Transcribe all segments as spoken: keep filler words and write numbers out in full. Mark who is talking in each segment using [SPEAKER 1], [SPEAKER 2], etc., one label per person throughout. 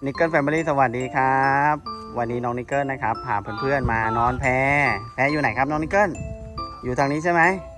[SPEAKER 1] นิกเกิลแฟมิลี่สวัสดีครับวันนี้น้องนิกเกิลนะครับพาเพื่อนๆมานอนแพแพอยู่ไหนครับน้องนิกเกิลอยู่ทางนี้ใช่ไหม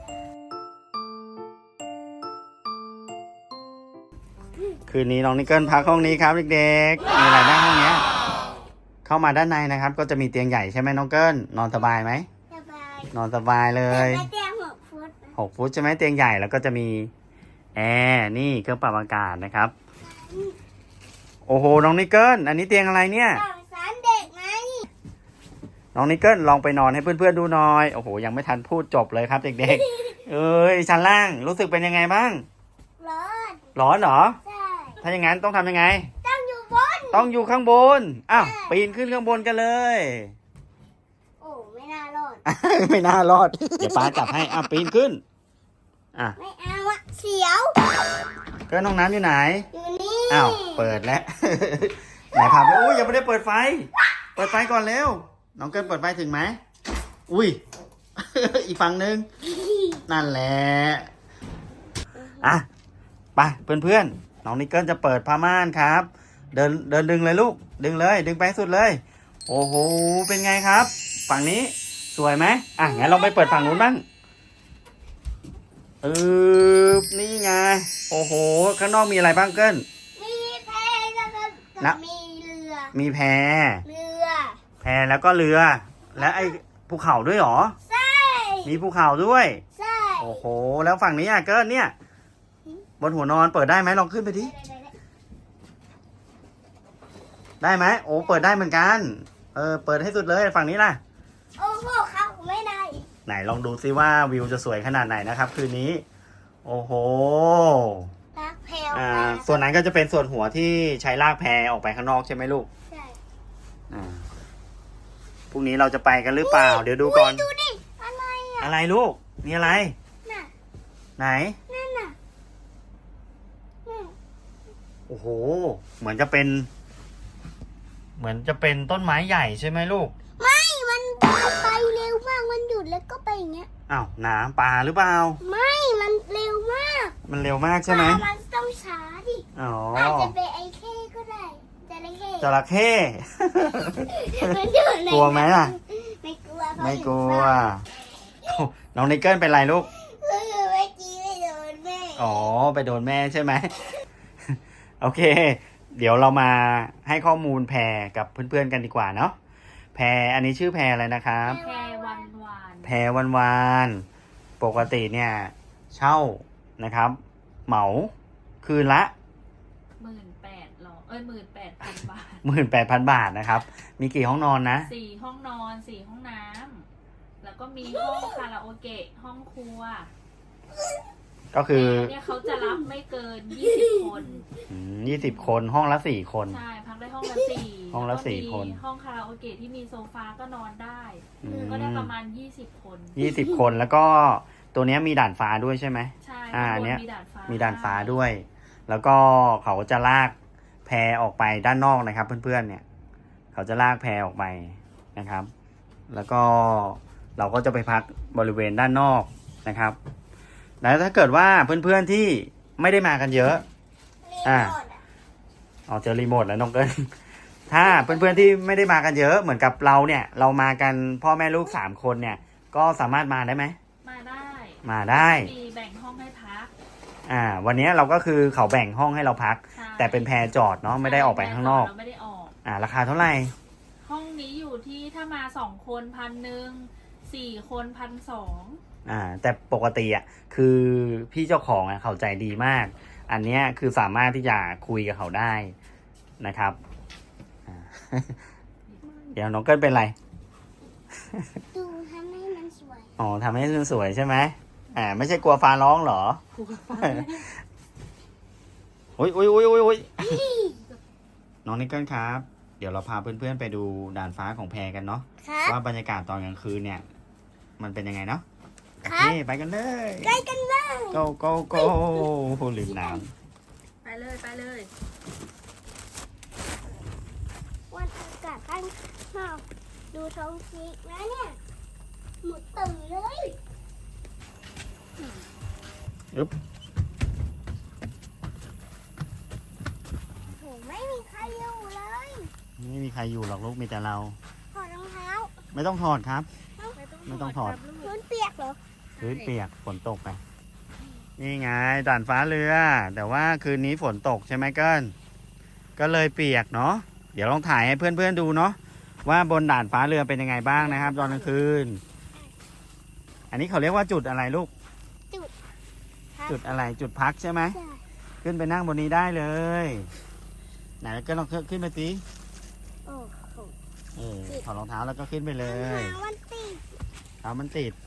[SPEAKER 1] คืนนี้น้องนิกเกิลพักห้องนี้ครับเด็กๆมีอะไรบ้างห้องนี้เข้ามาด้านในนะครับก็จะมีเตียงใหญ่ใช่ไหมน้องเกิลนอนสบายไหม
[SPEAKER 2] สบาย
[SPEAKER 1] นอนสบายเลย
[SPEAKER 2] เตียงหกฟุต
[SPEAKER 1] หกฟุตใช่ไหมเตียงใหญ่แล้วก็จะมีแอร์นี่เครื่องปรับอากาศนะครับโอ้โหน้องนิกเกิลอันนี้เตียงอะไรเนี่ย
[SPEAKER 2] สารเด็กไหม
[SPEAKER 1] น้องนิกเกิลลองไปนอนให้เพื่อนๆดูหน่อยโอ้โหยังไม่ทันพูดจบเลยครับเด็กๆ เอ้ยชั้นล่างรู้สึกเป็นยังไงบ้าง
[SPEAKER 2] ร้อน
[SPEAKER 1] ร้อนเหรอ
[SPEAKER 2] ใช่
[SPEAKER 1] ถ้าอย่างนั้นต้องทำยังไง
[SPEAKER 2] ต้องอยู่บน
[SPEAKER 1] ต้องอยู่ข้างบนอ้าวปีนขึ้นข้างบนกันเลย
[SPEAKER 2] โอ้ไม่น่ารอด
[SPEAKER 1] ไม่น่ารอดเดี๋ยวป้าจับให้อ้าวปีนขึ้นอ่ะ
[SPEAKER 2] ไม่เอาอะเสียว
[SPEAKER 1] เกินห้องน้ำอยู่ไหน
[SPEAKER 2] อยู่นี่
[SPEAKER 1] อ้าวเปิดแล้ว ไหนพาไปอุ้ยยังไม่ได้เปิดไฟเปิดไฟก่อนเร็วน้องเกินเปิดไฟถึงไหมอุ้ย อีกฝั่งหนึ่งนั่นแหละอ่ะไปเพื่อนๆน้องนิกเกิลจะเปิดผ้าม่านครับเดินเดินดึงเลยลูกดึงเลยดึงไปสุดเลยโอ้โหเป็นไงครับฝั่งนี้สวยไหมอ่ะงั้นลองไปเปิดฝั่งนู้นบ้างเออนี่ไงโอ้โหข้างนอกมีอะไรบ้างเกิล
[SPEAKER 2] มีแพแล้วก็นะมีเรือ
[SPEAKER 1] มีแพ
[SPEAKER 2] เรือ
[SPEAKER 1] แพแล้วก็เรือและไอ้ภูเขาด้วยหรอ
[SPEAKER 2] ใช่
[SPEAKER 1] มีภูเขาด้วย
[SPEAKER 2] ใช่
[SPEAKER 1] โอ้โหแล้วฝั่งนี้อ่ะเกิลเนี่ยบนหัวนอนเปิดได้ไหมลองขึ้นไปดิได้ไหมโอ้เปิดได้เหมือนกันเออเปิดให้สุดเลยฝั่งนี้ล่ะ
[SPEAKER 2] โอ้โหเขาไม่ได้
[SPEAKER 1] ไหนลองดูซิว่าวิวจะสวยขนาดไหนนะครับคืนนี้โอ้โห
[SPEAKER 2] ลากแพ
[SPEAKER 1] อ่าส่วนนั้นก็จะเป็นส่วนหัวที่ใช้ลากแพออกไปข้างนอกใช่ไหมลูก
[SPEAKER 2] ใช่
[SPEAKER 1] อ่าพรุ่งนี้เราจะไปกันหรือเปล่าเดี๋ยวดูก่อน
[SPEAKER 2] ดูดิอะไรอ่ะ
[SPEAKER 1] อะไรลูกมีอะไร
[SPEAKER 2] น่ะ
[SPEAKER 1] ไหน
[SPEAKER 2] นั่นน่ะ
[SPEAKER 1] โอ้โหเหมือนจะเป็นเหมือนจะเป็นต้นไม้ใหญ่ใช่ไหมลูก
[SPEAKER 2] ไม่มันไปเร็วมากมันหยุดแล้วก็ไปอย่างเงี้ย
[SPEAKER 1] อ้าวน้ำปลาหรือเปล่า
[SPEAKER 2] ไม่มันเร็วมาก
[SPEAKER 1] มันเร็วมากใช่ไหม
[SPEAKER 2] มันต้องช้าดิ
[SPEAKER 1] อ๋อ
[SPEAKER 2] อาจจะเป็นไอ้เข้ก็ได้จระเข้
[SPEAKER 1] จระเข้กลัวไหมล่ะ
[SPEAKER 2] ไม่กลัว
[SPEAKER 1] ไม่กลัวน้องนิกเกิลเป็นไรลูก
[SPEAKER 2] เมื่อกี้ไปโดนแม่
[SPEAKER 1] อ๋อไปโดนแม่ใช่ไหมโอเคเดี๋ยวเรามาให้ข้อมูลแพรกับเพื่อนๆกันดีกว่าเนาะแพรอันนี้ชื่อแพรอะไรนะครับ
[SPEAKER 2] แพรวันวาน
[SPEAKER 1] แพรวันวานปกติเนี่ยเช่านะครับเหมาคืนละ
[SPEAKER 3] หมื่นแปดหรอเอ้ยหมื่นแปดพันบาท
[SPEAKER 1] หมื่นแปดพันบาทนะครับมีกี่ห้องนอนนะ
[SPEAKER 3] สี่ห้องนอนสี่ห้องน้ำแล้วก็มีห้องคาราโอเกะห้องครัว
[SPEAKER 1] ก็คือ
[SPEAKER 3] เนี่ยเขาจะรับไม่เกินยี่สิบคน
[SPEAKER 1] ยี่สิบคนห้องละสี่คน
[SPEAKER 3] ใช่พักได้ห้องละสี่
[SPEAKER 1] ห้องละสี่คน
[SPEAKER 3] ห้องคาราโอเกะที่มีโซฟาก็นอนได้ก็ได้ประมาณยี่สิบคน
[SPEAKER 1] ยี่สิบคนแล้วก็ตัวนี้มีด่านฟ้าด้วยใช่ไหม
[SPEAKER 3] ใช่
[SPEAKER 1] อ่าเนี้ย
[SPEAKER 3] มีด่านฟ้า
[SPEAKER 1] มีด่านฟ้าด้วยแล้วก็เขาจะลากแพออกไปด้านนอกนะครับเพื่อนๆเนี่ยเขาจะลากแพออกไปนะครับแล้วก็เราก็จะไปพักบริเวณด้านนอกนะครับแล้วถ้าเกิดว่าเพื่อนๆที่ไม่ได้มากันเยอะอ่าเอาเจอรีโมทแล้วน้องเกินถ้าเพื่อนๆที่ไม่ได้มากันเยอะเหมือนกับเราเนี่ยเรามากันพ่อแม่ลูกสามคนเนี่ยก็สามารถมาได้ไหม
[SPEAKER 3] มาได้
[SPEAKER 1] มาได้
[SPEAKER 3] มีแบ่งห้องให้พัก
[SPEAKER 1] อ่าวันนี้เราก็คือเขาแบ่งห้องให้เราพักแต่เป็นแพรจอดเนาะไม่ได้ออกไปข้างนอก
[SPEAKER 3] ไม่ได้ออก
[SPEAKER 1] อ่าราคาเท่าไหร่
[SPEAKER 3] ห้องนี้อยู่ที่ถ้ามาสองคนพันหนึ่งสี่คนพันสอง
[SPEAKER 1] อ่าแต่ปกติอ่ะคือพี่เจ้าของอ่ะเขาใจดีมากอันเนี้ยคือสามารถที่จะคุยกับเขาได้นะครับเดี๋ยวน้องเกิลเป็นไร
[SPEAKER 2] ดูทำให้มันสวย
[SPEAKER 1] อ๋อทำให้มันสวยใช่ไหมอ่าไม่ใช่กลัวฟ้าร้องเหรอกลัวฟ้าโอ้ยโอ้ยโอ้ยโอ้ยโอ้ยน้องนิกเกิลครับเดี๋ยวเราพาเพื่อนๆไปดูด่านฟ้าของแพกันเนาะว่าบรรยากาศตอนกลางคืนเนี่ยมันเป็นยังไงเนาะโอเคไปกันเลย
[SPEAKER 2] ไปกันเลย
[SPEAKER 1] go go go ลืมน้
[SPEAKER 3] ำไปเลยไปเลย
[SPEAKER 2] วันอากาศข้างนอกดูท้องฟ้าแล้วเนี่ยหมดตื่นเลย
[SPEAKER 1] อึ๊บ
[SPEAKER 2] โหไม่มีใครอยู่เลย
[SPEAKER 1] ไม่มีใครอยู่หรอกลูกมีแต่เรา
[SPEAKER 2] ถอดรองเท้า
[SPEAKER 1] ไม่ต้องถอดครับ
[SPEAKER 3] ไม่ต้อง
[SPEAKER 1] ไม่ต้องถอด
[SPEAKER 3] ครับลูก
[SPEAKER 2] พื้นเปียกเหรอ
[SPEAKER 1] พื้นเปียกฝนตกไป นี่ไงด่านฟ้าเรือ แต่ว่าคืนนี้ฝนตกใช่ไหมเกิลก็เลยเปียกเนาะเดี๋ยวลองถ่ายให้เพื่อนๆดูเนาะว่าบนด่านฟ้าเรือเป็นยังไงบ้างนะครับ ตอนกลางคืน อันนี้เขาเรียกว่าจุดอะไรลูก
[SPEAKER 2] ครับ
[SPEAKER 1] จุดอะไรจุดพักใช่ไหม
[SPEAKER 2] ใช่
[SPEAKER 1] ขึ้นไปนั่งบนนี้ได้เลย ไหนก็ลองขึ้นไปสิ
[SPEAKER 2] โอ้โห
[SPEAKER 1] เออถอดรองเท้าแล้วก็ขึ้นไปเลย
[SPEAKER 2] รองเท้ามันติด
[SPEAKER 1] เท้ามันติด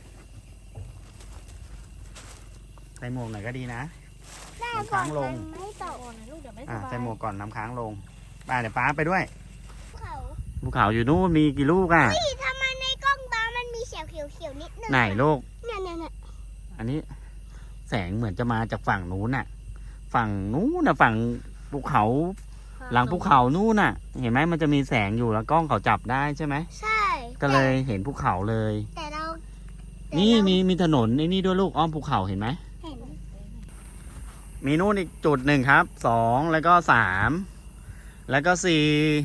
[SPEAKER 1] ใส่หมวกหน่อยก็ดีนะ
[SPEAKER 2] แม่
[SPEAKER 1] มัน
[SPEAKER 2] ก่อ
[SPEAKER 1] ค้าน งลง
[SPEAKER 2] มันไม่ตก
[SPEAKER 3] ก่อนนะลูกเดี๋ยวไม่ส
[SPEAKER 1] อ่ะ
[SPEAKER 3] บาย
[SPEAKER 1] ใส่หมวกก่อนน้ำค้างลงไปเดี๋ยวป้าไปด้วย
[SPEAKER 2] เขา
[SPEAKER 1] ภูเขาอยู่นู่นมีกี่ลูกอ่ะ
[SPEAKER 2] พี่ทำไมในกล้องตามันมีเขียวเขียวเขียวๆนิดนึง
[SPEAKER 1] ไหนลูก
[SPEAKER 2] เนี่ยเนี่ยเนี่ย
[SPEAKER 1] อันนี้แสงเหมือนจะมาจากฝั่งนู้นน่ะ ฝั่งนู้นน่ะฝั่งภูเขา หลังภูเขานู่นน่ะ เห็นไหมมันจะมีแสงอยู่แล้วกล้องเขาจับได้ใช่ไหม
[SPEAKER 2] ใช่
[SPEAKER 1] ก็เลยเห็นภูเขาเลย
[SPEAKER 2] แต่เราแต่
[SPEAKER 1] นี่
[SPEAKER 2] เรา
[SPEAKER 1] มีมีถนนไอ้นี่ด้วยลูกอ้อมภูเขาเห็นไหม
[SPEAKER 2] เห็น
[SPEAKER 1] มีนู่นอีกจุดหนึ่งครับสองแล้วก็สามแล้วก็สี่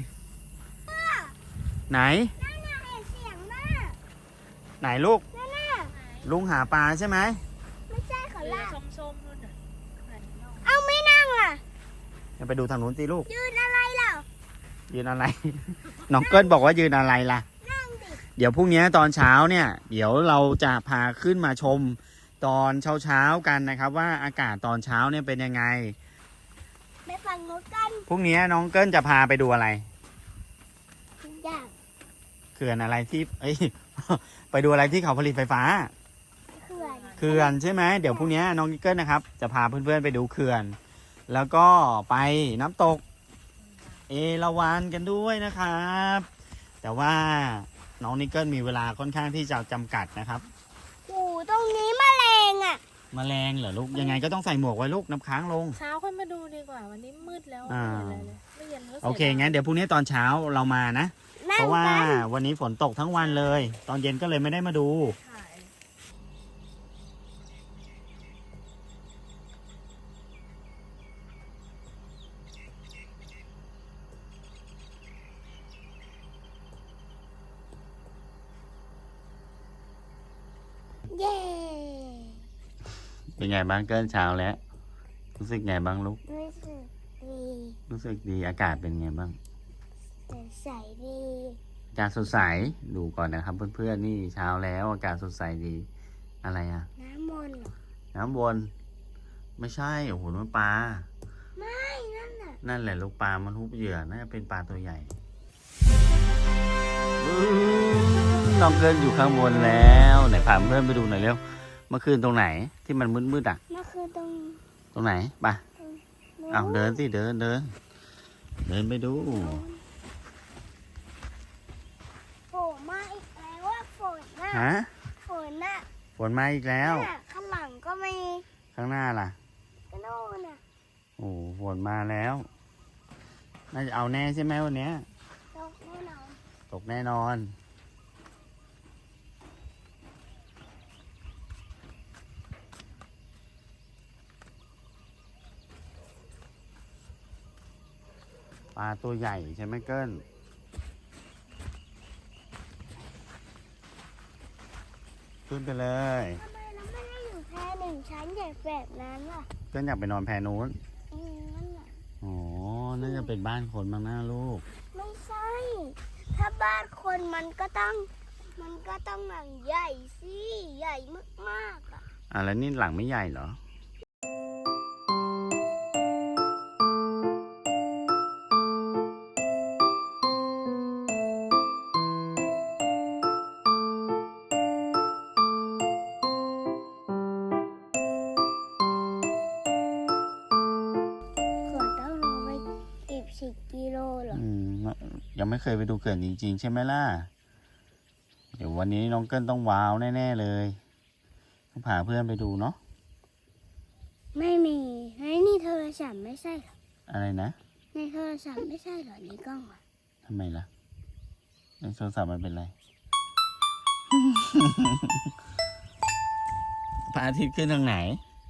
[SPEAKER 1] ไหน
[SPEAKER 2] นั่นน่ะเห็นเสียงมาก
[SPEAKER 1] ไหนลูก
[SPEAKER 2] นั่นน่ะ
[SPEAKER 1] ลุงหาปลาใช่ไหม
[SPEAKER 2] ไม่ใช่เขา
[SPEAKER 3] เรือ
[SPEAKER 2] ลาก
[SPEAKER 3] ส้มๆนู่นน่ะไหนเนาะ
[SPEAKER 2] เอาไม่นั่งล่ะ
[SPEAKER 1] ไปดูทางนู้นสิลูก
[SPEAKER 2] ยืนอะไรล่ะ
[SPEAKER 1] ยืนอะไร น้องเกิ้ลบอกว่ายืนอะไรล่ะ
[SPEAKER 2] นั่งดิ
[SPEAKER 1] เดี๋ยวพรุ่งนี้ตอนเช้าเนี่ย เดี๋ยวเราจะพาขึ้นมาชมตอนเช้าๆกันนะครับ ว่าอากาศตอนเช้าเนี่ยเป็นยังไง
[SPEAKER 2] ไปฟังนกกัน
[SPEAKER 1] พรุ่งนี้น้องเกิ้ลจะพาไปดูอะไร
[SPEAKER 2] อยาก
[SPEAKER 1] เขื่อนอะไรที่ เอ้ย ไปดูอะไรที่เขาผลิตไฟฟ้า
[SPEAKER 2] เขื่อน
[SPEAKER 1] เขื่อนใช่ไหมเดี๋ยวพรุ่งนี้น้องกิ๊กเกิลนะครับ จะพาเพื่อนๆไปดูเขื่อน แล้วก็ไปน้ำตก เอราวัณกันด้วยนะครับ แต่ว่าน้องนิกเกิลมีเวลาค่อนข้างที่จะจำกัดนะครับ
[SPEAKER 2] โอ้ตรงนี้แมลงอ่ะ
[SPEAKER 1] แมลงเหรอลูกยังไงก็ต้องใส่หมวกไว้ลูกน้ำค้างลง
[SPEAKER 3] เช้าค่อยมาดูดีกว่าวันนี้มืดแล้ว
[SPEAKER 1] อ่า
[SPEAKER 3] ไม่เห็นอะไรเลยไม่เย็นก็สีย
[SPEAKER 1] โอเคงั้นเดี๋ยวพรุ่งนี้ตอนเช้าเรามานะ
[SPEAKER 2] นั่
[SPEAKER 1] เพ
[SPEAKER 2] ง
[SPEAKER 1] ราะว่า
[SPEAKER 2] กัน
[SPEAKER 1] วันนี้ฝนตกทั้งวันเลย ตอนเย็นก็เลยไม่ได้มาดู
[SPEAKER 3] ถ่าย
[SPEAKER 2] เย้
[SPEAKER 1] เป็นไงบ้างเกินเช้าแล้ว รู้สึกไงบ้างลูก
[SPEAKER 2] รู้สึกดี
[SPEAKER 1] รู้สึกดีอากาศเป็นไงบ้าง
[SPEAKER 2] ใสดี
[SPEAKER 1] อากาศสดใสดูก่อนนะครับเพื่อนๆนี่เช้าแล้วอากาศสดใสดีอะไรอ่ะ
[SPEAKER 2] น้ำมนต์เหรอ
[SPEAKER 1] น้ำวน ไม่ใช่โอ้โหมันปลา
[SPEAKER 2] ไม่นั่นน่ะ
[SPEAKER 1] นั่นแหละลูกปลามันทุบเหยื่อน่าจะเป็นปลาตัวใหญ่อื้อน้องเกินอยู่ข้างบนแล้วไหนพาเพื่อนไปดูหน่อยเร็วเมื่อคืนตรงไหนที่มันมืดๆอ่ะ
[SPEAKER 2] มันคือตรง
[SPEAKER 1] ตรงไหนไป
[SPEAKER 2] นู้น
[SPEAKER 1] เอาเดินสิเดินเดินเดินไปดู
[SPEAKER 2] โผล่มาอีกแล้วว่าฝนน่ะ
[SPEAKER 1] ฮะ
[SPEAKER 2] ฝนน่ะ
[SPEAKER 1] ฝนมาอีกแล้ว
[SPEAKER 2] น่ะข้างหลังก็มี
[SPEAKER 1] ข้างหน้าล่ะ
[SPEAKER 2] กระโน่นน่ะ
[SPEAKER 1] โอ้ฝนมาแล้ว น่าจะเอาแน่ใช่ไหมวันเนี้ย
[SPEAKER 2] ตกแน่นอน
[SPEAKER 1] ตกแน่นอน ปลาตัวใหญ่ใช่ไหมเกิ้ลขึ้นไปเลย
[SPEAKER 2] ทำไมเราไม่ได้อยู่แค่หนึ่งชั้นใหญ่แบบนั้นล่ะ
[SPEAKER 1] เกิ้ลอยากไปนอนแพนู้น
[SPEAKER 2] อืมนั่นน่ะ
[SPEAKER 1] อ๋อ น่าจะเป็นบ้านคนบ้างหน้าลูก
[SPEAKER 2] ไม่ใช่ ถ้าบ้านคนมันก็ต้อง มันก็ต้องหลังใหญ่สิ ใหญ่มากๆอ่ะ
[SPEAKER 1] อ่ะแล้วนี่หลังไม่ใหญ่เหรอ
[SPEAKER 2] ขวดต้องลงไปเก็บสิบกิโลเหรอ
[SPEAKER 1] อืม ยังไม่เคยไปดูเขื่อนจริงๆ ใช่ไหมล่ะ เดี๋ยววันนี้น้องเกิ้ลต้องว้าวแน่ๆเลยต้องพาเพื่อนไปดูเนาะ
[SPEAKER 2] ไม่มีในนี่โทรศัพท์ไม่ใช่เหรอ
[SPEAKER 1] อะไรนะ
[SPEAKER 2] ในโทรศัพท์ไม่ใช่เหรอในกล้องอ่ะ
[SPEAKER 1] ทำไมล่ะในโทรศัพท์มันเป็นไร พระอาทิตย์ขึ้นทางไหน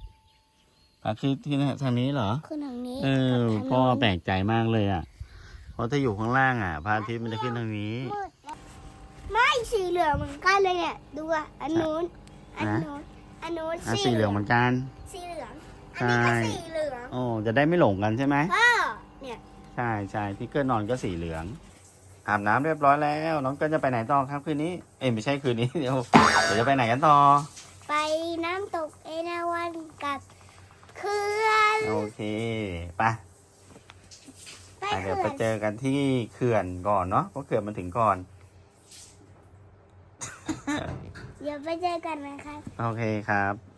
[SPEAKER 1] พระอาทิตย์ขึ้นทางนี้เหรอ
[SPEAKER 2] คือทางนี้
[SPEAKER 1] เออ
[SPEAKER 2] กับทาง
[SPEAKER 1] พ่อ
[SPEAKER 2] โน้น
[SPEAKER 1] แปลกใจมากเลยอ่ะเพราะถ้าอยู่ข้างล่างอ่ะพระอาทิตย์มันจะขึ้นทางนี้
[SPEAKER 2] มืดแล้วไม่สีเหลืองเหมือนกันเลยเนี่ยดูอ่ะอันนู้นอันนู้นอันนู้น
[SPEAKER 1] อ่ะสีเหลืองเหมือนกัน
[SPEAKER 2] สีเหลืองอันนี้ก็
[SPEAKER 1] ใช่
[SPEAKER 2] สีเหลือง
[SPEAKER 1] โอ้จะได้ไม่หลงกันใช่ไหม
[SPEAKER 2] พ่อเนี่ย
[SPEAKER 1] ใช่ใช่ที่เกิลนอนก็สีเหลือง อาบน้ำเรียบร้อยแล้ว น้องเกิลจะไปไหนต่อครับคืนนี้ เอ้ยไม่ใช่คืนนี้ เดี๋ยวเดี๋ยวจะไปไหนกันต่อ
[SPEAKER 2] ไปน้ำตกเอราวัณกับเขื่อน
[SPEAKER 1] โอเคไป
[SPEAKER 2] ไป
[SPEAKER 1] อ่ะเดี๋ยว
[SPEAKER 2] เขื่
[SPEAKER 1] ไป
[SPEAKER 2] อน
[SPEAKER 1] เจอกันที่เขื่อนก่อนเนาะเพราะเขื่อนมันถึงก่อน
[SPEAKER 2] เดี๋ยวไปเจอกันนะครับ
[SPEAKER 1] โอเคครับ